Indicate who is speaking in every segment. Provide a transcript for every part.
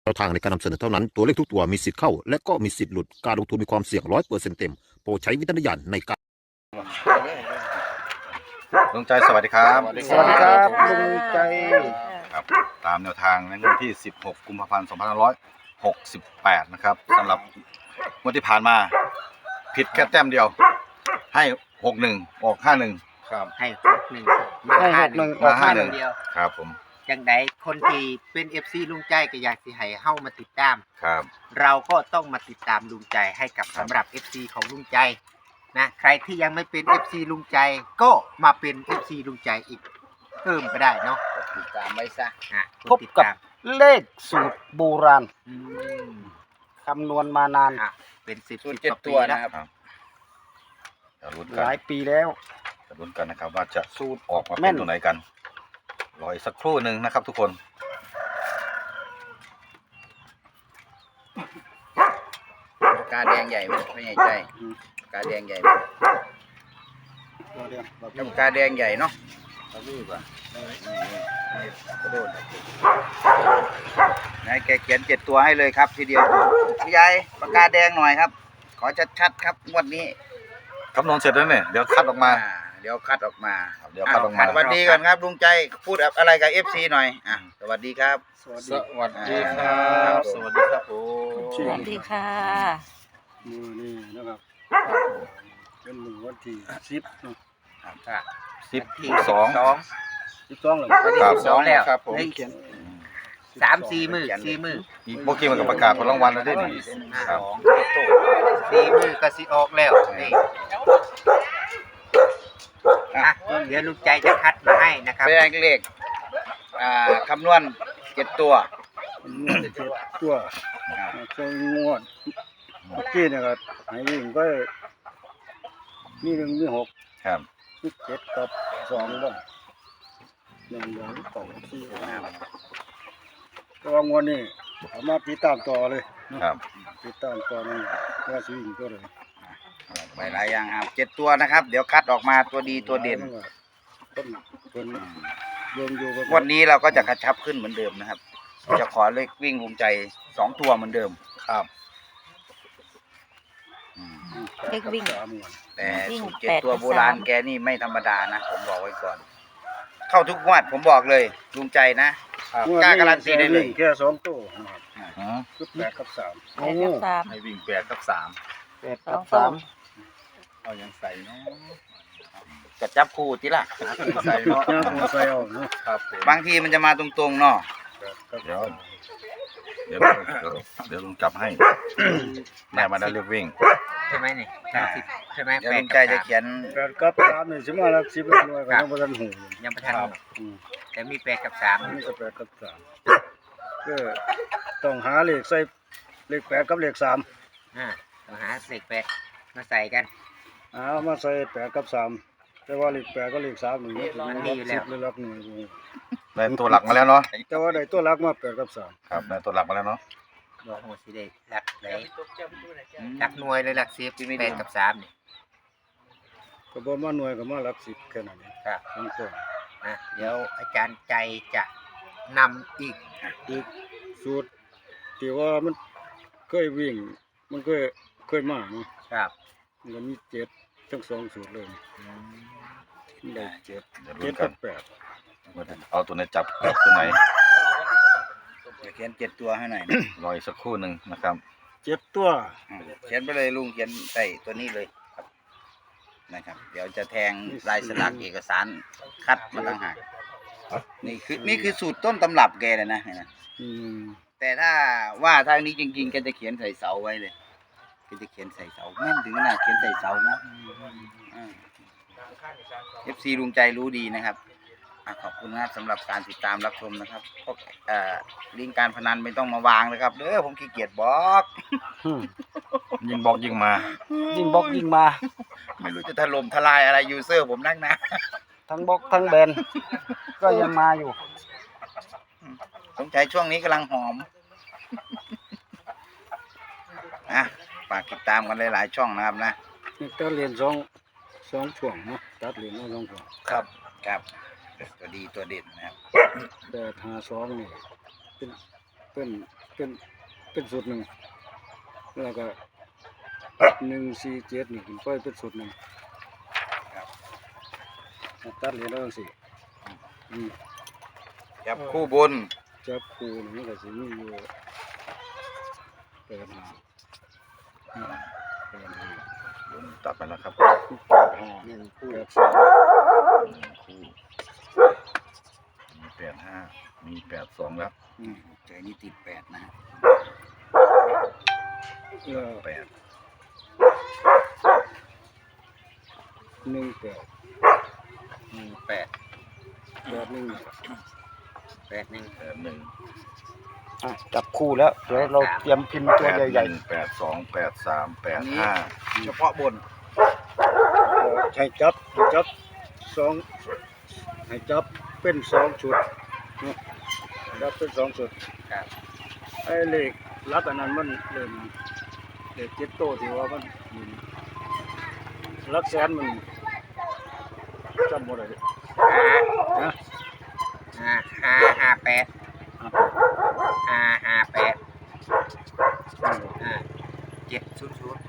Speaker 1: แนวทางในการนำเสนอเท่านั้นตัวเลขทุกตัวมีสิทธิ์เข้าและก็มีสิทธิ์หลุดการลงทุนมีความเสี่ยง100%เต็มโปรดใช้วิจารณญาณในการ
Speaker 2: ลุงใจสวัสดีครับ
Speaker 3: สวัสดีครับลุงใจ
Speaker 2: ครับตามแนวทางในวันที่ 16 กุมภาพันธ์ 2568 นะครับสำหรับงวดที่ผ่านมาผิดแค่แต้มเดียวให้ 61 ออก 51 ครับ
Speaker 3: ให้61
Speaker 4: ให้61
Speaker 3: ออก
Speaker 2: 51
Speaker 3: เดียว
Speaker 2: ครับผม
Speaker 3: จังไดคนที่เป็น FC ลุงใจก็อยากสิให้เฮามาติดตาม
Speaker 2: ครับ
Speaker 3: เราก็ต้องมาติดตามลุงใจให้กับ
Speaker 2: ครับ
Speaker 3: สำหรับ FC ของลุงใจนะใครที่ยังไม่เป็น FC ลุงใจก็มาเป็น FC ลุงใจอีกเพิ่มก็ได้เนาะติดตามไว้ซะ
Speaker 4: พบกับ
Speaker 3: ติดตาม
Speaker 4: เลขสูตรโบราณ
Speaker 3: อืม
Speaker 4: คำนวณมานาน
Speaker 3: เป็น10
Speaker 5: สูตร
Speaker 3: กว่า
Speaker 5: 7 ตัว
Speaker 3: แล้ว
Speaker 5: นะครับ
Speaker 2: จะลุ้น
Speaker 4: ห
Speaker 2: กัน
Speaker 4: ลายปีแล้ว
Speaker 2: จะลุ้นกันนะครับว่าจะ
Speaker 4: สูตร
Speaker 2: ออกมา
Speaker 4: แม่
Speaker 2: เป็น
Speaker 4: น
Speaker 2: ตัวไหนกันรออีกสักครู่หนึ่งนะครับทุกคน
Speaker 5: กาแดงใหญ่ไหมไม่ใหญ่ใจกาแดงใหญ่ไหมกาแดงใหญ่เนาะเราดูก่อนกระโดดนายแกเขียน7 ตัวให้เลยครับทีเดียวพี่ใหญ่ปากกาแดงหน่อยครับ ขอชัดๆครับงวดนี้
Speaker 2: คำนวณเสร็จแล้วเนี่ยเดี๋ยวคัดออกมา
Speaker 5: เดี๋ยวคัดออกมา
Speaker 2: เดี๋ยวคัดออกมา
Speaker 5: สวัสดีก่อนครับลุงใจพูดอะไรกับ FC หน่อยสวัสดีครับ
Speaker 4: สวัส
Speaker 5: ส
Speaker 4: ดี
Speaker 5: วัสดีครับสวัสดีครับผม
Speaker 6: สวัสดีค่ะ
Speaker 4: มือนี่นะครับเป็นหนึ่งวันที่10เนาะ
Speaker 2: 12
Speaker 4: 12เลย
Speaker 2: ครับ
Speaker 3: 12แล้ว
Speaker 5: ครับผม
Speaker 3: เฮ้ย
Speaker 4: เขียน
Speaker 3: 3-4 มื้อ4 มื้อ
Speaker 2: อีกเมื่อกี้มันก็ประกาศผลรางวัลแล้วด้วยนี่ครับ
Speaker 3: 4 มื้อก็สิออกแล้วนี่เดี๋ยวลุงใจจะคัดมาให้นะครับ
Speaker 5: เป็นเลขคำนวณ7 ตัว
Speaker 4: งวด7 ตัวเคยงวดเมื่อกี้เนี่ยก็ให้วิ่งก็มี1มี6
Speaker 2: ครับ
Speaker 4: มี7กับ2บ้าง1 2 2 4ก็ว่างวดนี้เอามาติดตามต่อเลยเนาะ
Speaker 2: ครับ
Speaker 4: ติดตามต่อนี่ว่าสิวิ่งตัวเลย
Speaker 5: ไปหลายอย่างครับ7 ตัวนะครับ เดี๋ยวคัดออกมาตัวดีตัวเด่น
Speaker 4: เป็นรวมอยู่กับ
Speaker 5: วันนี้เราก็จะกระชับขึ้นเหมือนเดิมนะครับ จะขอเลขวิ่งภูมิใจ2 ตัวเหมือนเดิม
Speaker 2: ครับ
Speaker 6: เลขวิ่ง
Speaker 4: 3งวด
Speaker 5: แต่
Speaker 6: วิ่ง
Speaker 5: สูตร
Speaker 6: แปด
Speaker 5: 7 ตัว
Speaker 6: กับ
Speaker 5: โบราณ
Speaker 6: 3
Speaker 5: แกนี่ไม่ธรรมดานะผมบอกไว้ก่อน เข้าทุกงวดผมบอกเลยลุงใจนะ
Speaker 4: งวด
Speaker 5: กล้าการันตีได้เลย
Speaker 4: แค่2ตัวนะครับ
Speaker 2: อืม
Speaker 4: คือ8กับ3
Speaker 6: แปดกับสาม
Speaker 2: ให้วิ่ง8กับ3
Speaker 4: 8
Speaker 6: ส
Speaker 4: กั
Speaker 6: อบ งตัว
Speaker 2: เอายังใส่เนาะ
Speaker 5: จะจับคู่ทีละ
Speaker 2: ใส่เนาะ
Speaker 4: 3หัวใส่เอาเนาะ
Speaker 2: ครับผม
Speaker 5: บางทีมันจะมาตรงๆเนาะ
Speaker 4: 8กับ
Speaker 2: เดี๋ยวเดี๋ยวลุงจับให้แม่มาได้เรียกวิ่ง
Speaker 3: ใช่ไหมนี่30ใช่ไหม
Speaker 5: เดี๋ยว
Speaker 3: แป
Speaker 5: ลุ
Speaker 3: ด
Speaker 5: ง
Speaker 3: กั
Speaker 5: ใจ
Speaker 3: บ
Speaker 5: จะ
Speaker 3: 3
Speaker 5: เขียน
Speaker 4: 8กับ3นี่สิมาหลัก10หลักหน่วยก็ยังบ่ทันหู
Speaker 3: ยังประทัน
Speaker 4: อืม
Speaker 3: แต่มี8กับ
Speaker 4: นี่ก็8กับ3ก็ต้องหาเลขใส่เลข8กับเลข3
Speaker 3: 3ต้องหาเลข8มาใส่กัน
Speaker 4: เอามาใส่8กับ3แต่ว่าเลข8กับเลข3นี่
Speaker 3: มันมีอยู่แล้ว
Speaker 4: หรือหลักหน่วยบ่
Speaker 2: ได้ตัวหลักมาแล้วเนาะ
Speaker 4: แต่ว่าได้ตัวหลักมา8กับ3
Speaker 2: ครับได้ตัวหลักมาแล้วเนาะ
Speaker 3: บอกโหสิได้หลักไหนหลักหน่วยเลยหลัก10 8กับ3นี่
Speaker 4: ก็บ่มาหน่วยก็มาหลัก10แค่นั้นเอง
Speaker 3: ครับ
Speaker 4: ทั้งตัว
Speaker 3: เดี๋ยวอาจารย์ใจจะนำอีก
Speaker 4: อีกสูตรที่ว่ามันเคยวิ่ง มันเคยมาเนาะ
Speaker 3: ครับ
Speaker 4: มันก็มี7ทั้ง2สูตรเลยมันได้7
Speaker 2: เดี๋ยวลุ้
Speaker 4: เจ็
Speaker 2: น
Speaker 4: ด
Speaker 2: กั
Speaker 4: กัน บ8
Speaker 2: เอาตัวไหนจับตัวไหน
Speaker 5: จะเขียน7 ตัวให้หน่อย
Speaker 2: รออีกสักครู่หนึ่งนะครับ
Speaker 4: 7ตัว
Speaker 5: เขียนไปเลยลุงเขียนใส่ตัวนี้เลยครับนะครับ เดี๋ยวจะแทงลายสลักเอกสารคัดมาต่างหากนี่คือสูตรต้นตำรับแกเลยนะเห็นไหม
Speaker 4: อืม
Speaker 5: แต่ถ้าว่าทางนี้จริงๆแกจะเขียนใส่เสาไว้เลยแกจะเขียนใส่เสาแม่นถึงขนาดเขียนใส่เสานะFC ลุงใจรู้ดีนะครับขอบคุณนะครับสำหรับการติดตามรับชมนะครับพวกลิงก์การพนันไม่ต้องมาวางนะครับเด้อผมขี้เกียจบล็อก
Speaker 2: ยิงบอกยิงมา
Speaker 4: ยิงบล็อกยิงมา
Speaker 5: ไม่รู้จะถล่มทลายอะไรยูเซอร์ผมนักนะ
Speaker 4: ทั้งบล็อกทั้งแบนก็ยังมาอยู่
Speaker 5: สงสัยช่วงนี้กำลังหอมฝากติดตามกันหลายๆช่องนะครับนะ
Speaker 4: นี่ตัดเหรียญ2ช่วงเนาะตัดเหรียญมา2ช่วง
Speaker 5: ครับตัวดีตัวเด่นนะครับ
Speaker 4: 8 5 2นี่เป็นเป็นสูตรหนึ่งแล้วก็147นี่ขึ้นไปเป็นสูตรหนึ่งตัดเหรียญแล้วจังซี่อืม
Speaker 5: จับคู่บน
Speaker 4: จับคู่นี่มันก็สิมีอยู่8 5
Speaker 2: ตัดไปแล้วครับ
Speaker 4: 1
Speaker 2: มี85มี82แล้ว
Speaker 5: ใจนี่ติด8นะฮะ
Speaker 2: 8
Speaker 4: 18
Speaker 5: 8
Speaker 2: 81
Speaker 4: จับคู่แล้วเดี๋ยวเราเตรียมพิมพ์ตัวใหญ่
Speaker 2: 82 83
Speaker 5: อันนี้
Speaker 2: 85
Speaker 5: เฉพาะบน
Speaker 4: ๆให้จับสองให้จับเป็น2ชุดเนาะจับเป็น2ชุด
Speaker 5: ครับ
Speaker 4: ไอ้เลขลักอันนั้นมันเริ่มเลข7โตวที่ว่ามันหลักแสนมันจำบ่ได้นะ
Speaker 3: 558 700
Speaker 4: ศูนย์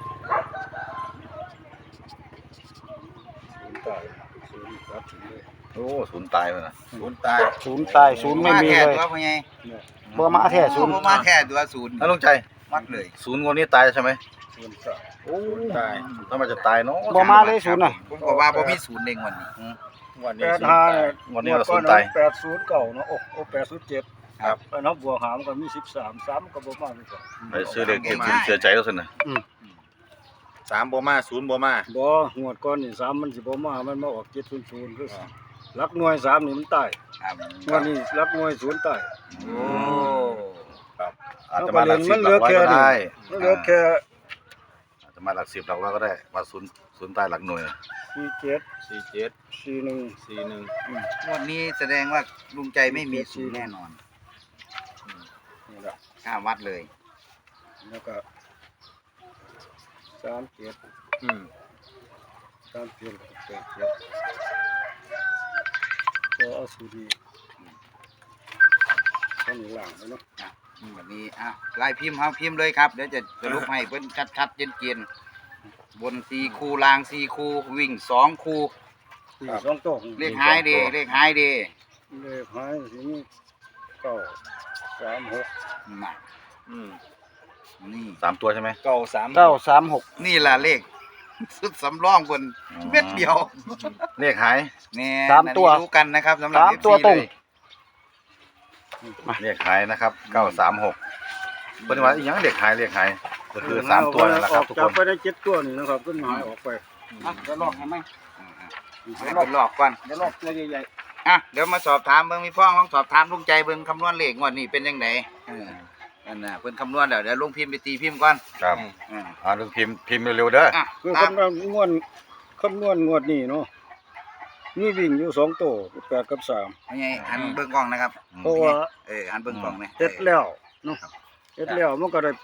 Speaker 4: ตายศูนย์ตัดทิ้งเลย
Speaker 2: โอ้ศูนย์ตายไปนะ
Speaker 5: ศูนย์ตาย
Speaker 4: ศูนย์ตายศูนย์ไม่มี
Speaker 5: แค่
Speaker 4: เลย
Speaker 5: ตัวพ่อใหญ่
Speaker 4: บ่มาแท้ศูนย์
Speaker 5: บ่มาแค่ตัวศูนย์
Speaker 2: แล้วลุงใจ
Speaker 5: มัดเลย
Speaker 2: ศูนย์คนนี้ตายใช่ไหม
Speaker 4: ศูนย์ตาย
Speaker 2: โอ้ตายถ้ามันจะตายเนาะ
Speaker 4: บ่มาเลยศูนย์น่ะ
Speaker 5: ผมก็ว่าบ่มีศูนย์เองวันนี้
Speaker 2: วันนี้
Speaker 4: 85เนี่ย
Speaker 2: วันนี้เราศูนย์ตาย
Speaker 4: 809เนาะโอ้807
Speaker 5: ครับ
Speaker 4: แล้วนับบวกหารมันก็มี13 3ก็บ่มาเลยก่อน
Speaker 2: ไปซื้อเด็กเก็บสินเสียใจแล้วสินะ
Speaker 5: 3บ่มา0บ่มา
Speaker 4: บ่งวดก่อนนี่3มันสิบ่มามันมาออก700คือหลักหน่วย3นี่มันตาย
Speaker 5: ครับ
Speaker 4: งวดนี้หลักหน่วย0ตาย
Speaker 5: โอ้
Speaker 2: อาจจะมาหลักสิบหลักร้อยก็ได้
Speaker 4: มันเหลือแค่
Speaker 2: อาจจะมาหลักสิบหลักร้อยก็ได้มาศูนย์ตายหลักหน่วย
Speaker 4: 47 41
Speaker 5: งวดนี้แสดงว่าลุงใจไม่มีศูนย์แน่นอน
Speaker 4: นี่ล่ะ
Speaker 5: ข้ามวัดเลย
Speaker 4: แล้วก็37 ก็เอาสูตรนี้ข้างหลังแล้วเนาะ
Speaker 5: วันนี้ลายพิมพ์เฮาพิมพ์เลยครับเดี๋ยวจะสรุปให้เพิ่นชัดๆเจนๆบน4คู่ล่าง4คู่วิ่ง2คู่
Speaker 4: สี่สองโต๊ะ
Speaker 5: เลขหายเด้เลขหายเด้
Speaker 4: เลขหายสิมี936
Speaker 5: น่ะนี่
Speaker 2: 3 ตัวใช่ไหม
Speaker 4: 936
Speaker 5: นี่ล่ะเลข สุดสำรองบนเม็ดเดียว
Speaker 2: เลขหาย
Speaker 5: แน่
Speaker 4: สามตัว
Speaker 5: อันนี้รู้กันนะครับสำหรับ
Speaker 4: 3
Speaker 5: FC
Speaker 4: ตัวตรง
Speaker 5: เลย
Speaker 2: เลขหายนะครับ936เป็นว่าอีกอย่างเลขหายก็คือ3ตัวนั่นแหละครับทุก
Speaker 4: จั
Speaker 2: ค
Speaker 4: บ
Speaker 2: น
Speaker 4: ไปได้7ตัวนี่นะครับต้นหายออกไปเดี๋ยวลอกให้ไหม
Speaker 5: ให้เพิ่นลอกก่อน
Speaker 4: เดี๋ยวลอกตัวใหญ่
Speaker 5: เดี๋ยวมาสอบถามเบิ่งมีพ่อของสอบถามลุงใจเบิ่งคำนวณเลขงวดนี้เป็นจังไดนั่นน่ะเพิ่นคำนวณแล้วเดี๋ยวลงพิมพ์ไปตีพิมพ์ก่อน
Speaker 2: ครับ
Speaker 5: อ่า
Speaker 2: ลุงพิมพ์เร็วๆเด้อ
Speaker 4: ๆคือ
Speaker 5: ตาม
Speaker 4: คำนวณงวดนี้เนาะมีวิ่งอยู่2ตัว8กับ3
Speaker 5: ให้หันเบิ่งกล้องนะครับ
Speaker 4: เพราะว่า
Speaker 5: หันเบิ่งกล้องนี่
Speaker 4: เฮ็ดแล้วเนาะเฮ็ดแล้วมันก็ได้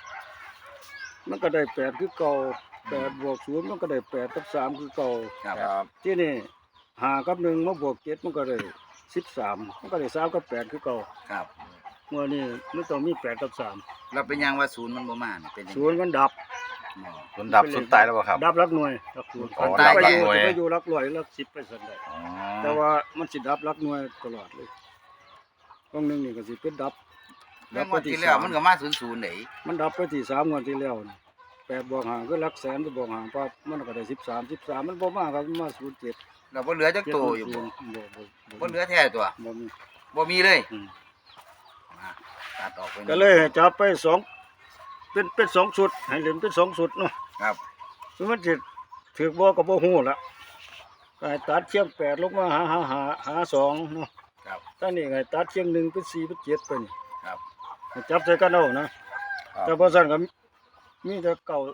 Speaker 4: 8มันก็ได้8คือเก่า8บวก0มันก็ได้8กับ3คือเก่า
Speaker 5: ครับ
Speaker 4: ที่นี่5กับ1มาบวก7มันก็ได้13มันก็ได้3กับ8คือเก่า
Speaker 5: ครับ
Speaker 4: เมื่อนี้มันต้องมี8กับ3
Speaker 5: เราเป็นยังว่าศูนย์มันบ่มานี่เป็นจัง
Speaker 4: ศูนย์มันดับ
Speaker 2: ศูนย์ดับศูนย์ตายแล้วเปล่าครับ
Speaker 4: ดับหลักหน่วยหลักศูนย์
Speaker 2: อ๋อ
Speaker 4: มันจะไป
Speaker 2: ดับ
Speaker 4: อ
Speaker 2: หลักหน่วย
Speaker 4: ยู่จะไปอยู่หลักร้อยหลัก10ไปซั่นได้
Speaker 2: อ๋อ
Speaker 4: แต่ว่ามันสิดับหลักหน่วยตลอดเลยตรงนึงนี่ก็สิเป็นดับ
Speaker 5: เรื่องงวดที่แล้วมันก็มา00ได้
Speaker 4: มันดับไปที่3งวดที่แล้วนี่8บวก5คือหลักแสนไปบวก5ปั๊บมันก็ได้13มันบ่มาครับมันมา07
Speaker 5: เราบ่เหลือจักโตอยู่บ่ บ่เหลือแท้ตัว
Speaker 4: บ่มี
Speaker 5: บ่มีเลย
Speaker 4: อืม
Speaker 5: ตัดออกไป
Speaker 4: ก็เลยให้จับไป2เป็น2ชุดให้เล่นเป็น2ชุดเนาะ
Speaker 5: ครับ
Speaker 4: คือมันสิถูกบ่ก็บ่ฮู้ละก็ให้ตัดเชียง8ลงมาหา2เนาะ
Speaker 5: ครับ
Speaker 4: ตอนนี้ก็ให้ตัดเชียง1เป็น4เป็น7ไปนี่
Speaker 5: ครับ
Speaker 4: ให้จับใส่กันเอานะแต่บ่ซั่นก็มีแต่เก่า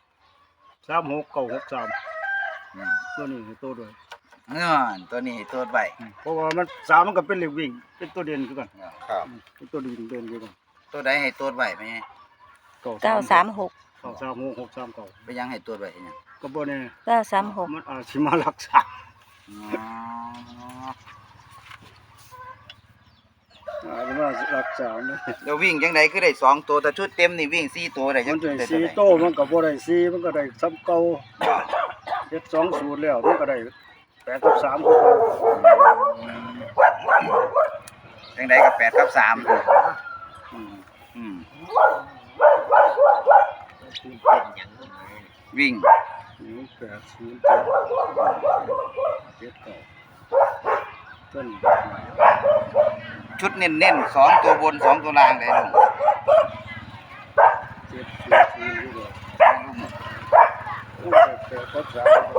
Speaker 4: 36 963
Speaker 5: อืม
Speaker 4: ตัวนี้ให้ตัวด้วย
Speaker 5: เงื่อนตัวนี้ให้โทษไว้
Speaker 4: เพราะว่ามัน3มันก็เป็นเลขวิ่งเป็นตัวเด่นคือกัน
Speaker 2: ครับ
Speaker 4: เป็นตัวเด่นคือกัน
Speaker 5: ตัวใดให้โทษไว้ไหม
Speaker 6: 936
Speaker 4: 936 639
Speaker 5: ไปยังให้โทษไว้เฮ็ดหยัง
Speaker 4: ก็บ่แน่
Speaker 6: 936
Speaker 4: มันอาจสิมารักษา
Speaker 5: อ๋อ
Speaker 4: อาจจะว่ารักษานะ
Speaker 5: แล้ววิ่งจังไดคือได้2ตัวแต่ชุดเต็มนี่วิ่ง4ตัวได้จั
Speaker 4: มั
Speaker 5: ง
Speaker 4: นได้
Speaker 5: ได้
Speaker 4: 4โตมันก็บ่ได้4มันก็ได้ซ้ำเก่าเฮ็ด2สูตรแล้วมันก็ได้8กับ3คือเก่า
Speaker 5: จังไดก็8กับ3
Speaker 4: อืม
Speaker 5: อืม
Speaker 3: ตื่นเต้นอย่างนี้
Speaker 5: วิ่ง
Speaker 4: 0807เก่าต้น
Speaker 5: ชุดเน้นๆ2ตัวบน2ตัวล่างได้ลุง
Speaker 4: 700อยู่บ่8กับ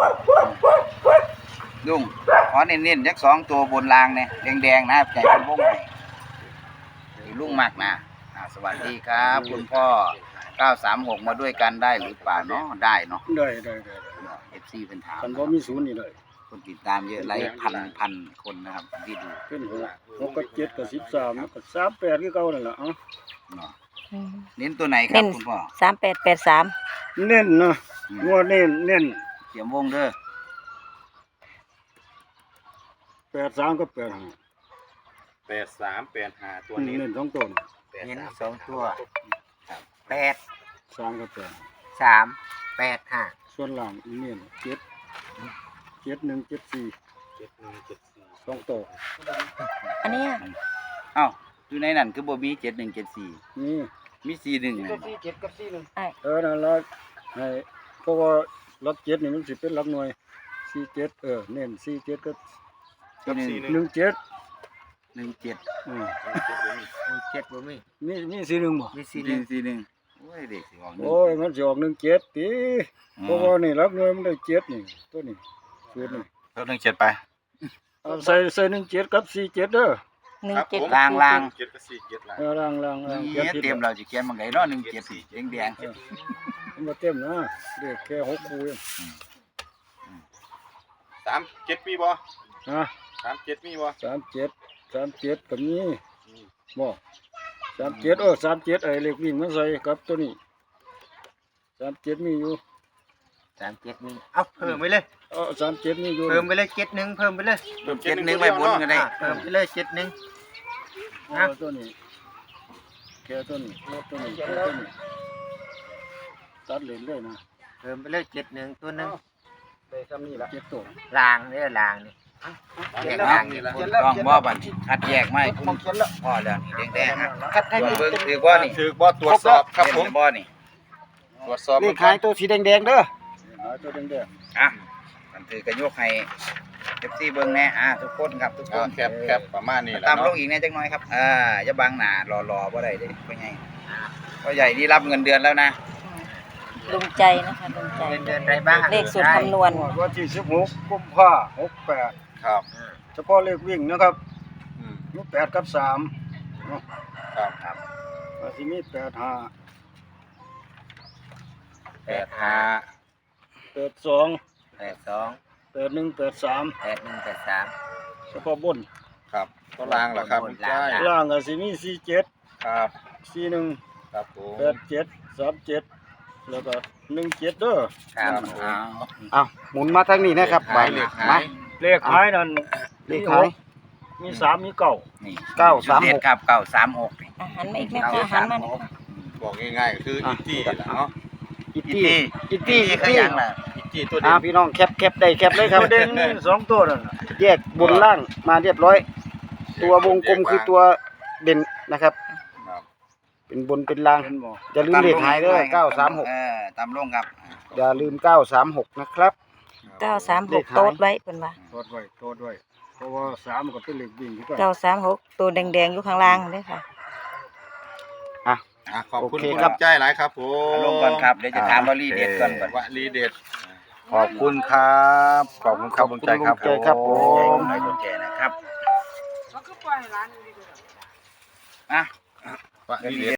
Speaker 4: 3
Speaker 5: ลุงขอเน้นๆจัก2ตัวบนล่างเนี่ยแดงๆนะใจเป็นวงให้ที่ลุงมักนะสวัสดีครับ คุณพ่อ936มาด้วยกันได้หรือเปล่าเนาะได้เนาะ
Speaker 4: ได้
Speaker 5: FC เป็นถาม
Speaker 4: คันบ่มีศูนย์นี่เลย
Speaker 5: คนติดตามเยอะไลค์พันคนนะครับที่ดู
Speaker 4: เป็น6กับ7กับ13แล้วก็38คือเก่านั่นล่ะเอ้า
Speaker 5: เนาะ
Speaker 6: อืม
Speaker 5: เน้นตัวไหนครั
Speaker 6: เน้
Speaker 5: บ
Speaker 6: น
Speaker 5: คุณพ่อ
Speaker 6: 3883
Speaker 4: เน้นนะงัวเน้น
Speaker 5: เตรียมวงเด้อ
Speaker 4: 83กับ85
Speaker 7: 8385ตัวนี้
Speaker 4: เน้น2ตัวนี่
Speaker 3: เน้น2ตัว8
Speaker 4: 3กับ
Speaker 3: 3 8 5
Speaker 4: 8ส่วนล่างอีเน้น7 7174
Speaker 7: 7174
Speaker 4: 2ตัว
Speaker 6: อันเนี้ย
Speaker 5: เอ้าอยู่ในนั้นคือบ่มี7174
Speaker 4: นี่
Speaker 5: มี41นั่นบ่
Speaker 4: นั่นล่ะให้เพราะว่าหลัก7นี่มันสิเป็นหลักหน่วย47เน้น47กับ
Speaker 5: ที่หนึ่ง
Speaker 4: 17
Speaker 5: 17
Speaker 4: อืม
Speaker 3: 7บ่มี
Speaker 4: มี41บ่
Speaker 3: มี
Speaker 5: 41โอ้ยเด็กสิออก
Speaker 4: โอ้ยมันสิออก17ติเพราะว่านี่หลักหน่วยมันได้7นี่ตัวนี้สูตรนี่
Speaker 2: เพิ่ม17ไป
Speaker 4: เอาใส่17กับ47เด้อ
Speaker 6: 17
Speaker 5: ล่าง
Speaker 7: 7กับ47ล่ะ
Speaker 4: ล่าง
Speaker 5: ๆนี่เตรียมเราสิเขียนบังไดเนาะ174แดง
Speaker 4: มันบ่เต็มนะเด็กแค่6คู่เอง
Speaker 7: 37มีบ่
Speaker 4: ฮะ
Speaker 7: 37มีบ่
Speaker 4: 37ก็มีบ่3737ไอ้เล็กวิ่งมันใส่กับตัวนี้37มีอยู่
Speaker 3: 37มีเอาเพิ่มไปเลย
Speaker 4: 37มีอยู่
Speaker 3: เพิ่มไปเลย71เพิ่มไปเลย
Speaker 5: ๆ71ไว้บนก็ได้
Speaker 3: เพิ่มไปเลย71
Speaker 4: ตัวนี้แค่ตัวนี้ตัวนี้ตัดเลนเลยนะ
Speaker 3: เพิ่มไปเลย71ตัวหนึง
Speaker 4: ได้ซ้ำนี่ล่ะ7ตัว
Speaker 3: ล่างเด้อล่างนี่แยก
Speaker 5: เนาะ
Speaker 3: ล่างนี่
Speaker 5: ต้องบ่บัดคัดแยกมาให้คุณพ่อแล้วนี่แดงๆฮะ
Speaker 3: คัดให้
Speaker 5: เบิ่งถือบ่นี่
Speaker 7: ถือบ่ตรวจสอบครับผม
Speaker 5: เห็นบ่นี่
Speaker 7: ตรวจสอบ
Speaker 3: นี่ขายตัวสีแดงๆเด้อ
Speaker 4: หาตัวแดง
Speaker 5: อ่ะมันถือกระยกให้ FC เบิ่งแน่ทุกคนครับทุกคน
Speaker 7: แคบประมาณนี้แหละ
Speaker 5: ตามล
Speaker 7: เนาะ
Speaker 5: งอีกแน่จักหน่อยครับอย่าบังหน้ารอบ่ได้เด้พ่อใหญ่พ่อใหญ่นี่รับเงินเดือนแล้วนะ
Speaker 6: ลุงใจนะคะลุงใจ
Speaker 3: เดือนไรบ้าง
Speaker 6: เลขสูตรคำนวณ
Speaker 4: ๆวันที่16กุมภาพันธ์68
Speaker 7: ครับ
Speaker 4: เฉพาะเลขวิ่งนะครับ
Speaker 7: อืม
Speaker 4: มี8กับ3เนาะ
Speaker 7: ครับ
Speaker 4: อาจสิมี85
Speaker 7: 85
Speaker 4: 82
Speaker 3: 82
Speaker 4: 81 83
Speaker 3: 8183
Speaker 4: เฉพาะบน
Speaker 7: ครับตัวล่างล่ะครับคุณจ้าย
Speaker 4: ล่างก็สิมี47
Speaker 7: ครับ
Speaker 4: 41
Speaker 7: ครับผม
Speaker 4: 87 37แล้วก็17เด้อ
Speaker 5: ครับ
Speaker 3: เอาหมุนมาทางนี้นะครับ
Speaker 7: หมายเลขหาย
Speaker 4: เลขท้ายนั่น
Speaker 3: เลขท้าย
Speaker 4: มี3มี9
Speaker 5: นี่
Speaker 3: 936
Speaker 5: เด็ดครับ936นี่
Speaker 6: อาหารมาอีกไหมคะอาหารมาหน่อยค่ะ
Speaker 7: บอกง่ายๆก็คืออีจี้ล่ะเนาะ
Speaker 3: อิต
Speaker 5: อี
Speaker 3: ตี้
Speaker 5: ตี้
Speaker 3: อิตตี้
Speaker 5: อีตี้ก็ยังล่ะ
Speaker 7: อีจี้ตัวเด่น
Speaker 3: พี่น้องแคปได้แคปเลยครับ
Speaker 4: ประเด็นนี่2ตัวนั่นน่ะ
Speaker 3: แยกบนล่างมาเรียบร้อย ตัววงกลมคือตัวเด่นนะครับ
Speaker 7: ครับ
Speaker 3: เป็นบนเป็นล่าง
Speaker 4: เห็นบ่
Speaker 3: อย่าลืมเลขหายเด้อ936
Speaker 5: ตามลงครับ
Speaker 3: อย่าลืม936นะครับ
Speaker 6: 936โต๊ดไว้เพิ่นว่า
Speaker 4: โทษไว้เพราะว่า3มันก็เป็นเลขวิ่งอยู่กัน
Speaker 6: 936ตัวแดงๆอยู่ข้างล่างเด้อค่ะ
Speaker 7: ขอบคุณ
Speaker 3: โอเค
Speaker 7: คุณ
Speaker 3: ครับ
Speaker 7: ลำจ้ายหลายครับผม
Speaker 5: ลงก่อนครับเดี๋ยวจะถามวลีเด็ดก่อนก่อน
Speaker 7: วลีเด็ด
Speaker 2: ขอบคุณครับขอบคุณครับลุงใจครับ
Speaker 3: ขอบคุณลุงใจครับผม
Speaker 5: ใจกดไลค์กดแชร์นะครับ
Speaker 7: วลีเด็ด